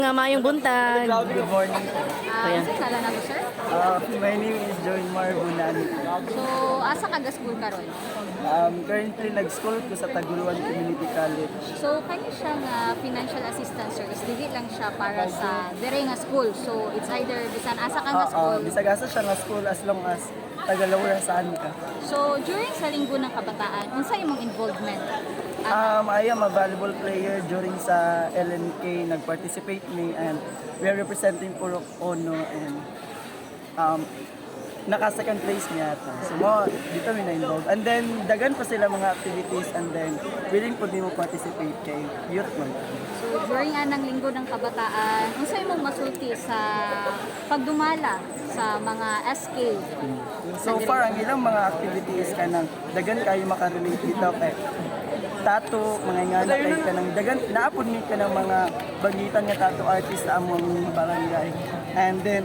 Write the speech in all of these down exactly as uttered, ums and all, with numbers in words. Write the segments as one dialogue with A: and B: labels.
A: Nga mayong buntag.
B: Good morning.
C: Ah,
A: Ayan.
C: sa sala na to, sir?
B: Uh, my name is Joy Mar Bunani.
C: So, asa ka ga-school karon?
B: Um, currently, nag-school ko sa Taguluan Community College.
C: So, kani siya nga financial assistance service, dili lang siya para sa dire nga school. So, it's either bisan asa ka nga
B: Oo,
C: school.
B: bisag-asa siya nga school as long as tagalawara saan ka.
C: So, during sa linggo ng kabataan, unsa imong involvement? Ah,
B: Um, I am a volleyball player during sa L N K. Nag-participate me and we are representing Purok Ono and um, naka-second place niya ata. So, mo, dito mi na-involved. And then, dagan pa sila mga activities and then willing po din mo participate kay youth man.
C: so, during anang linggo ng kabataan, unsa imong masulti sa pagdumala sa mga S K?
B: So far, ang ilang mga activities ka nang dagan kayo makarelate dito kay tato, mga ingana kay ka nang dagan, naapod mi ka ng mga bagitan nga tato artist sa among barangay. And then,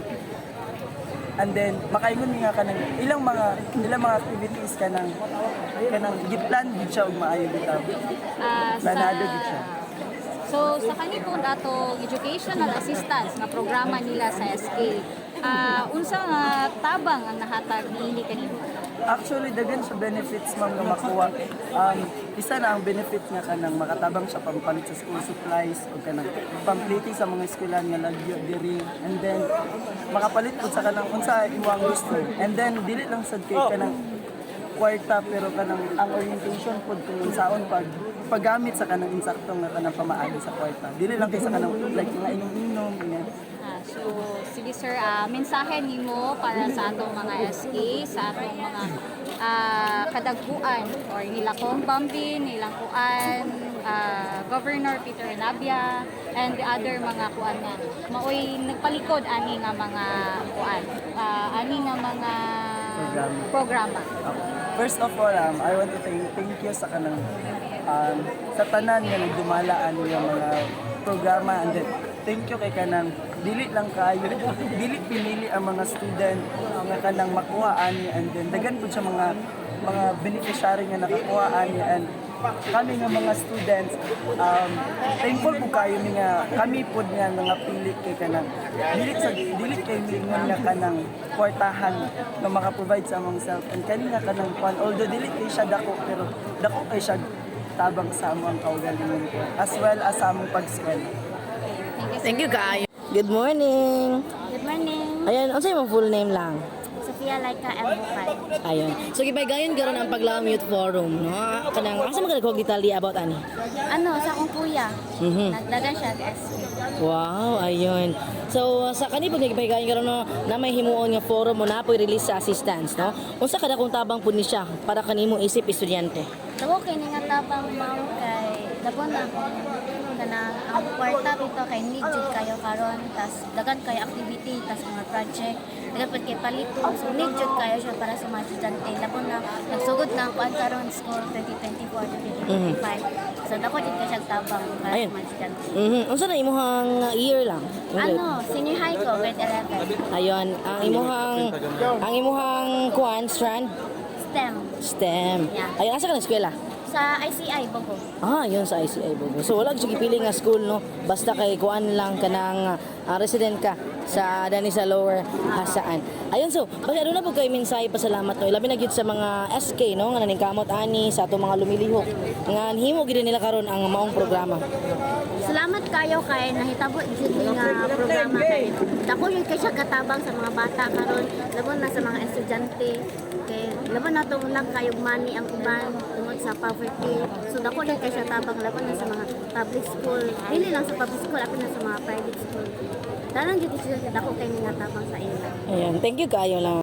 B: and then, makaingon mi nga ka ng ilang mga, ilang mga activities ka nang, ka nang giplan gid siya ug maayo bitaw.
C: Ah,
B: Planado gid siya.
C: So, sa kanipong dato educational assistance nga programa nila sa S K, ah unsa nga tabang ang nahatag niini kanimo?
B: Actually, daghan sa benefits ma'am nga makuha. Um, isa na ang benefit nga kanang makatabang sa pampalit sa school supplies o kanang pampliti sa mga eskwelahan nga lagyo diri. And then, makapalit po sa kanang unsa imo ang gusto. And then, dili lang sad kay kanang kwarta pero kanang ang orientation pod kung unsaon pag paggamit sa kanang insaktong nga kanang pamaagi sa kwarta. Dili lang kay sa kanang like nga inom-inom ganyan.
C: Ah, so, sige sir, ah, mensahe nimo para sa atong mga S K, sa atong mga ah, kadagpuan or nilakong Bambi, nilang kuan, ah, Governor Peter Nabia, and the other mga kuan nga. Maoy nagpalikod ani nga mga kuan, ah, ani nga mga
B: Programa.
C: programa.
B: Okay. First of all, um, I want to thank, thank you sa kanang um, sa tanan nga nagdumalaan nga mga programa and then thank you kay kanang dili lang kayo dili pinili ang mga student nga kanang makuha ani and then daghan pud sa mga mga beneficiary nga nakakuha ani and kami nga mga students um, thankful po kayo ni nga kami pud nga nga pili kay kanang dili sa dili kay mingon nga kanang kwartahan nga maka-provide sa among self and kani nga kanang kwan although dili kay siya dako pero dako kay siya tabang sa among kaugalingon ko as well as sa among pag-school.
A: Thank you kaayo. Good morning.
D: Good morning.
A: Ayan, unsa imong full name lang?
D: Sophia Laika M. Bukay.
A: Ayun. So gibay-gayon karon ang Paglaom Youth Forum, no? Kanang asa man kag detalye about ani?
D: Ano, sa akong kuya.
A: Mhm.
D: Nagdagan siya sa S K.
A: Wow, ayun. So sa kani pag nagpahigayong karon no, na may himuon nga forum mo na po release sa assistance, no? Unsa kada kung tabang pud ni siya para kanimo isip estudyante?
D: Daw kay nga tabang mao kay dabon na ako kana ang kwarta dito kay need jud kayo karon tas dagan kayo activity tas mga project dagan pud kay palito so need jud kayo siya para sa mga estudyante labon na nagsugod na ang kuan karon school twenty twenty-four to twenty twenty-five so dako jud kay siya tabang para
A: Ayun.
D: sa mga estudyante.
A: Mhm. Unsa na imong year lang?
D: Ano, senior high ko grade eleven.
A: Ayun, ang imuhang ang imuhang kuan strand
D: STEM
A: STEM.
D: Yeah.
A: Ayun, asa ka na eskwela?
D: sa I C I Bogo.
A: Ah, yun sa I C I Bogo. So wala gyud gipili nga school no. Basta kay kuan lang kanang ah, resident ka sa dani sa lower hasaan. Ayun so, basta aduna po kay mensahe pasalamat no. Labi na gyud sa mga S K no nga naningkamot ani sa atong mga lumilihok. Nga himo gyud nila karon ang maong programa.
D: Salamat kayo kay nahitabo jud ni nga programa kay dako yun kay siya katabang sa mga bata karon labon na sa mga estudyante kay labon na tong lang kayo money ang uban tungod sa poverty so dako yun kay siya tabang labon na sa mga public school dili lang sa public school apil na sa mga private school dalan jud siya dako kay nga tabang sa ila.
A: Ayun, thank you kayo lang.